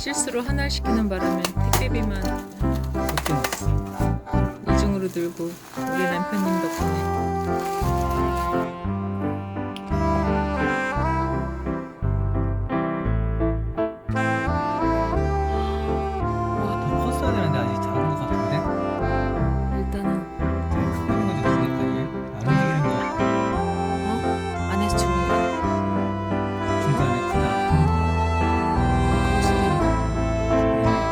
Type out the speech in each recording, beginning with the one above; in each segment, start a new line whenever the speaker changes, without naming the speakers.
실수로 하나를 시키는 바람에 택배비만 이중으로 들고 우리 남편님 덕분에.
더 컸어야 되는데 아직 작은 것 같은데?
일단은
제일 크고 있는 건지 모르겠다 이게. 안 움직이는 거
안에서 주는 거
중간에 크다 큰 거.
그럴 수도 있나?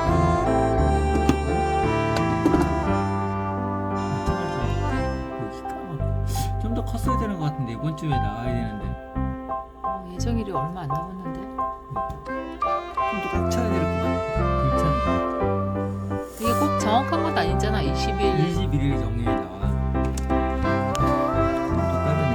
좀 더 컸어야 되는 것 같은데 이번 주에 나와야 되는데
예정일이 얼마 안 남았는데.
좀 더 꽉 차야 될 것 같아. 괜찮아.
이게 꼭 정확한 것도 아니잖아. 20일
21일 정리에 나와. 또 다르네.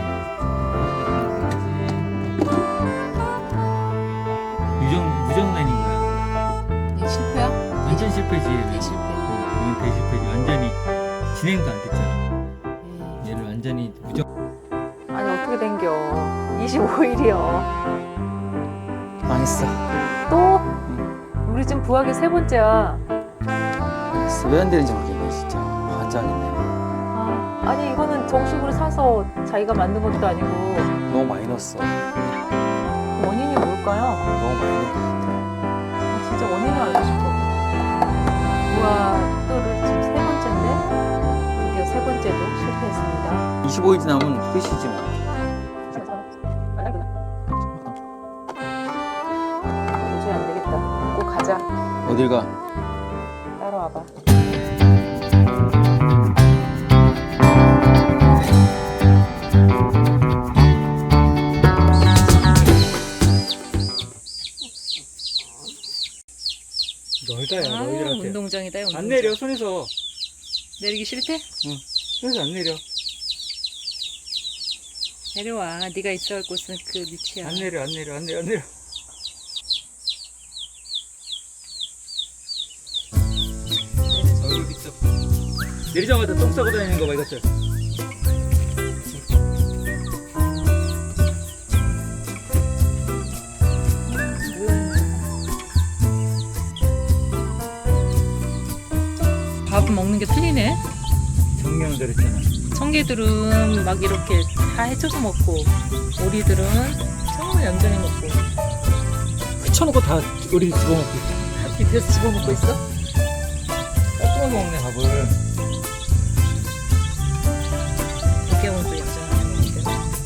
무정란인 거야.
이게 실패야?
완전 실패지.
대실패.
이건 대실패지. 완전히 진행도 안 됐잖아.
예.
얘를 완전히
아니 어떻게 된겨? 25일이요.
망했어.
또? 우리 지금 부학이 세 번째야.
왜 안 되는지 모르겠네 진짜. 환장했네.
아니 이거는 정식으로 사서 자기가 만든 것도 아니고.
너무 많이 넣었어.
원인이 뭘까요?
너무 많이 넣은 것 같아.
진짜 원인을 알고 싶어. 우와, 또를 지금 세 번째인데 드디어 세 번째도 실패했습니다.
25일 지나면 끝이지 뭐.
도저히 안 되겠다. 꼭 가자.
어딜 가?
따라와봐.
넓다야 너희들한테.
운동장이다. 운동장.
안 내려 손에서.
내리기 싫대?
손에서 안 내려.
내려와. 네가 있어야 할 곳은 그 밑이야.
안 내려 안 내려 안 내려 안 내려. 어이 있어. 내리자마자 똥 싸고 다니는 거 봐 이것들.
밥 먹는 게 틀리네.
정명대로 했잖아.
청개들은 막 이렇게 다 해쳐서 먹고 오리들은 정말 얌전히 먹고
흩쳐놓고 다 우리 집어먹고 있어.
밑에서 집어먹고 있어?
깎아 먹네 밥을.
백개원도 얌전히 먹는데.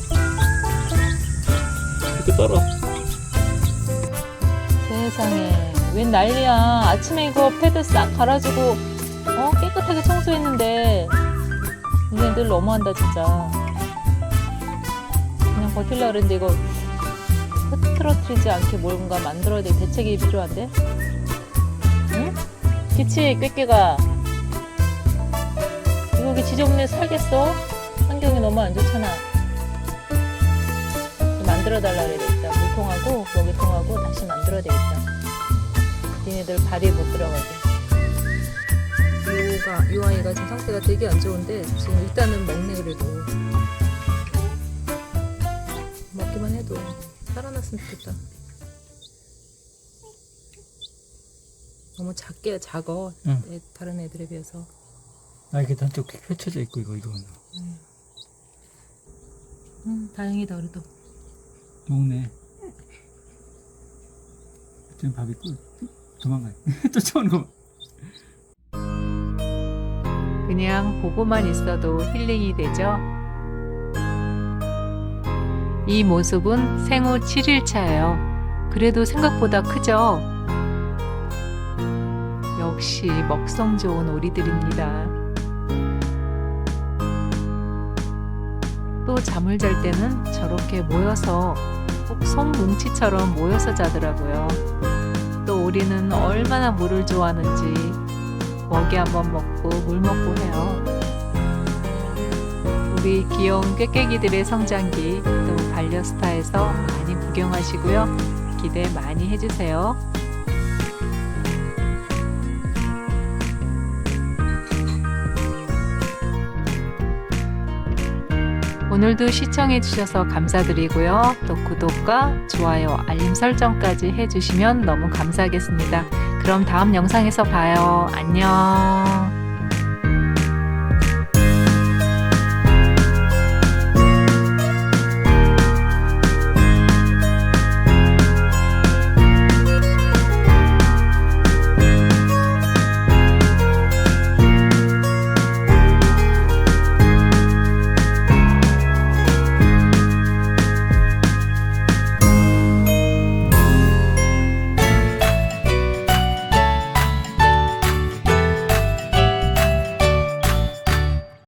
이렇게 떨어.
세상에 웬 난리야. 아침에 이거 패드 싹 갈아주고 깨끗하게 청소했는데 얘네들 너무한다 진짜. 그냥 버틸라 그랬는데 이거 흐트러뜨리지 않게 뭔가 만들어야 될 대책이 필요한데? 응? 그치 꾀꾀가 이거 여기 지저분해 살겠어? 환경이 너무 안 좋잖아. 만들어 달라 그래야 되겠다. 물통하고 먹이통하고 다시 만들어야 되겠다. 니네들 발이 못 들어가게. 이 아이가 지금 상태가 되게 안 좋은데 지금 일단은 먹네. 그래도 먹기만 해도 살아났으면 좋겠다. 너무 작어.
응.
다른 애들에 비해서.
아 이게 한쪽 펼쳐져 있고 이거.
다행이다 그래도.
먹네. 지금 밥 있고 도망가. 쫓아오는 거 봐.
그냥 보고만 있어도 힐링이 되죠. 이 모습은 생후 7일차예요. 그래도 생각보다 크죠? 역시 먹성 좋은 오리들입니다. 또 잠을 잘 때는 저렇게 모여서 꼭 손뭉치처럼 모여서 자더라고요. 또 오리는 얼마나 물을 좋아하는지 먹이 한번 먹고 물 먹고 해요. 우리 귀여운 꾀꾀기들의 성장기 또 반려스타에서 많이 구경하시고요. 기대 많이 해주세요. 오늘도 시청해주셔서 감사드리고요. 또 구독과 좋아요, 알림 설정까지 해주시면 너무 감사하겠습니다. 그럼 다음 영상에서 봐요. 안녕.